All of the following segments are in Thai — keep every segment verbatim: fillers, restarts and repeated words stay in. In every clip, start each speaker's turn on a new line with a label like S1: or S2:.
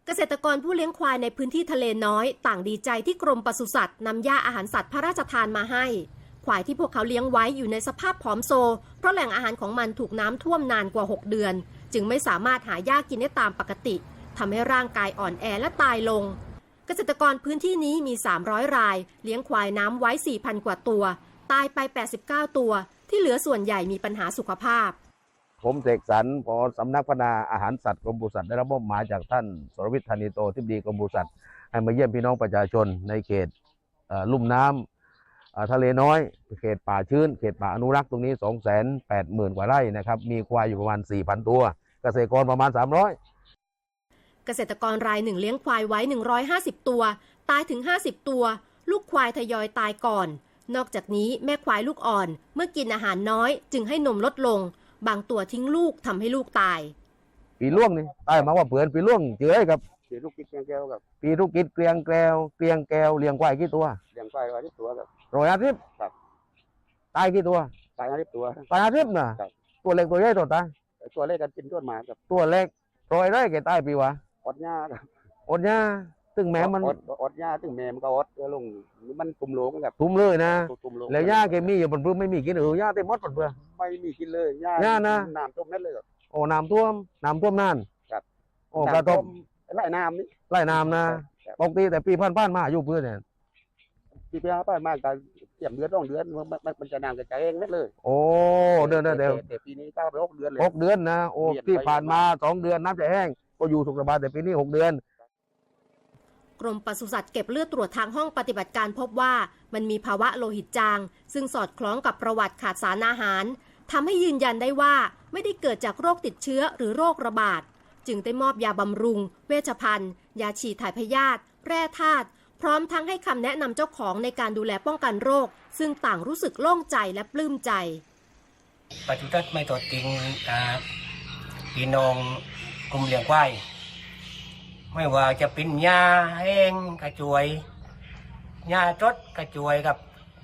S1: เกษตรกรผู้เลี้ยงควายในพื้นที่ทะเลน้อยต่างดีใจที่กรมปศุสัตว์นำหญ้าอาหารสัตว์พระราชทานมาให้ควายที่พวกเขาเลี้ยงไว้อยู่ในสภาพผอมโซเพราะแหล่งอาหารของมันถูกน้ำท่วมนานกว่าหกเดือนจึงไม่สามารถหาหญ้ากินได้ตามปกติทำให้ร่างกายอ่อนแอและตายลงเกษตรกรพื้นที่นี้มีสามร้อยรายเลี้ยงควายน้ำไว้ สี่พัน กว่าตัวตายไปแปดสิบเก้าตัวที่เหลือส่วนใหญ่มีปัญหาสุขภาพ
S2: ผมเสกสรรผอสำนักพัฒนาอาหารสัตว์กรมปศุสัตว์ได้รับมอบหมายจากท่านสรวิทย์ธานิโตทิบดีกรมปศุสัตว์ให้มาเยี่ยมพี่น้องประชาชนในเขตลุ่มน้ำทะเลน้อยเขตป่าชื้นเขตป่าอนุรักษ์ตรงนี้ สองแสนแปดหมื่น กว่าไร่นะครับมีควายอยู่ประมาณ สี่พัน ตัวเกษตรกรประมาณสามร้อย
S1: เกษตรกรรายหนึ่งเลี้ยงควายไว้หนึ่งร้อยห้าสิบตัวตายถึงห้าสิบตัวลูกควายทยอยตายก่อนนอกจากนี้แม่ควายลูกอ่อนเมื่อกินอาหารน้อยจึงให้นมลดลงบางตัวทิ้งลูกทำให้ลูกตาย
S2: ปีล่วงนี่ตายมาว่าเปลือนปีล่วงเจอครับ
S3: ปีลูกกิดเกลียงแก้วครับ
S2: ปีลูกกิดเกลียงแก้วเกลียงแก้วเลี้ยงควายกี่ตัว
S3: เลี้ยงควายร้อยตัวครับ
S2: ร้อยห้าสิบ
S3: ครับ
S2: ตายกี่ตัว
S3: ตายห้าสิบตัว
S2: ตายห้าสิบนะตัวเล็กตัวใหญ่ตัวตาย
S3: ตัวเล็กกันกินต้นหมาครับ
S2: ตัวเล็กร้อยได้แก่ตายปีวะ
S3: อดหญ้าครับ
S2: อดหญ้าตึงแม่มัน
S3: อดอดหญ้าตึงแม่มันก็อดตัวลงมันตุ่มโลงครับ
S2: ตุ่มเลยนะแล้วหญ้าแกมีอยู่บนพื้นไม่มีกินเออหญ้าเต็มหมดบนพื้น
S3: ไม่มีกินเลยหญ้า
S2: หญ้านะ
S3: น้ำท่วมนั่นเลยครับ
S2: โอ้น้ำท่วมน้ำท่วมนาน
S3: ครับ
S2: โอ้กระทบ
S3: ไล่น้ำนี่
S2: ไล่น้ำนะปกติแต่ปีพันๆมาอยู่พื้นเนี่ย
S3: ปีปีพันๆมาการเตรียมเดือนต้องเดือนมันมันจะน้ำกระจายเองนั่นเลย
S2: โอ้เดือนเดียว
S3: แต่ปีนี้ก็หกเดือนเลย
S2: หกเดือนนะโอ้ที่ผ่านมาสองเดือนน้ำจะแห้งก็อยู่สุขสบายแต่ปีนี้หกเดือน
S1: กรมปศุสัตว์เก็บเลือดตรวจทางห้องปฏิบัติการพบว่ามันมีภาวะโลหิตจางซึ่งสอดคล้องกับประวัติขาดสารอาหารทำให้ยืนยันได้ว่าไม่ได้เกิดจากโรคติดเชื้อหรือโรคระบาดจึงได้มอบยาบำรุงเวชภัณฑ์ยาฉีดถ่ายพยาธิแร่ธาตุพร้อมทั้งให้คำแนะนำเจ้าของในการดูแลป้องกันโรคซึ่งต่างรู้สึกโล่งใจและปลื้มใจ
S4: ปศุสัตว์ไม่ทอดทิ้งพี่น้องกลุ่มเลี้ยงควายไม่ว่าจะเป็นหญ้าแห้งกระจวยหญ้าจดกระจวยกับ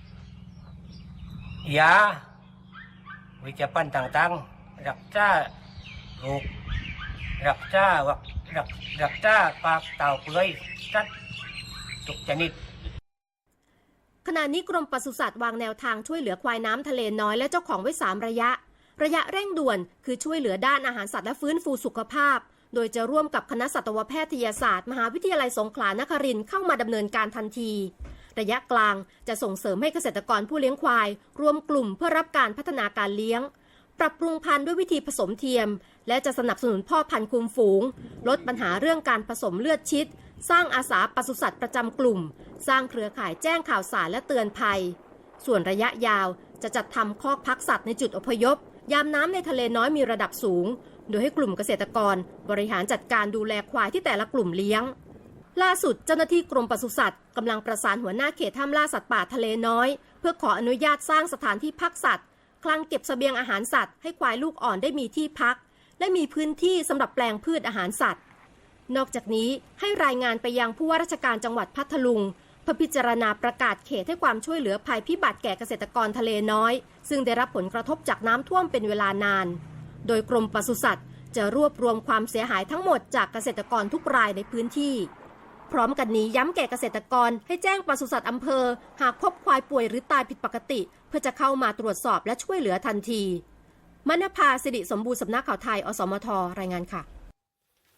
S4: ยาวิจภัณฑ์ต่างๆรักษาโรครักษาวักรักรักษาปากเต่าเปื่อยสัตว์ทุกชนิด
S1: ขณะนี้กรมปศุสัตว์วางแนวทางช่วยเหลือควายน้ำทะเลน้อยและเจ้าของไว้สามระยะระยะเร่งด่วนคือช่วยเหลือด้านอาหารสัตว์และฟื้นฟูสุขภาพโดยจะร่วมกับคณะสัตวแพทยศาสตร์มหาวิทยาลัยสงขลานครินทร์เข้ามาดำเนินการทันทีระยะกลางจะส่งเสริมให้เกษตรกรผู้เลี้ยงควายรวมกลุ่มเพื่อรับการพัฒนาการเลี้ยงปรับปรุงพันธุ์ด้วยวิธีผสมเทียมและจะสนับสนุนพ่อพันธุ์คุมฝูงลดปัญหาเรื่องการผสมเลือดชิดสร้างอาสาปศุสัตว์ประจำกลุ่มสร้างเครือข่ายแจ้งข่าวสารและเตือนภัยส่วนระยะยาวจะจัดทำคอกพักสัตว์ในจุดอพยพยามน้ำในทะเลน้อยมีระดับสูงโดยให้กลุ่มเกษตรกรบริหารจัดการดูแลควายที่แต่ละกลุ่มเลี้ยงล่าสุดเจ้าหน้าที่กรมปศุสัตว์กำลังประสานหัวหน้าเขตห้ามล่าสัตว์ป่าทะเลน้อยเพื่อขออนุญาตสร้างสถานที่พักสัตว์คลังเก็บเสบียงอาหารสัตว์ให้ควายลูกอ่อนได้มีที่พักและมีพื้นที่สำหรับแปลงพืชอาหารสัตว์นอกจากนี้ให้รายงานไปยังผู้ว่าราชการจังหวัดพัทลุงเพื่อพิจารณาประกาศเขตให้ความช่วยเหลือภัยพิบัติแก่เกษตรกรทะเลน้อยซึ่งได้รับผลกระทบจากน้ำท่วมเป็นเวลานานโดยกรมปศุสัตว์จะรวบรวมความเสียหายทั้งหมดจากเกษตรกรทุกรายในพื้นที่พร้อมกันนี้ย้ำแก่เกษตรกรให้แจ้งปศุสัตว์อำเภอหากพบควายป่วยหรือตายผิดปกติเพื่อจะเข้ามาตรวจสอบและช่วยเหลือทันทีมณภา สิริสมบูรณ์สำนักข่าวไทยอสมทรายงานค่ะ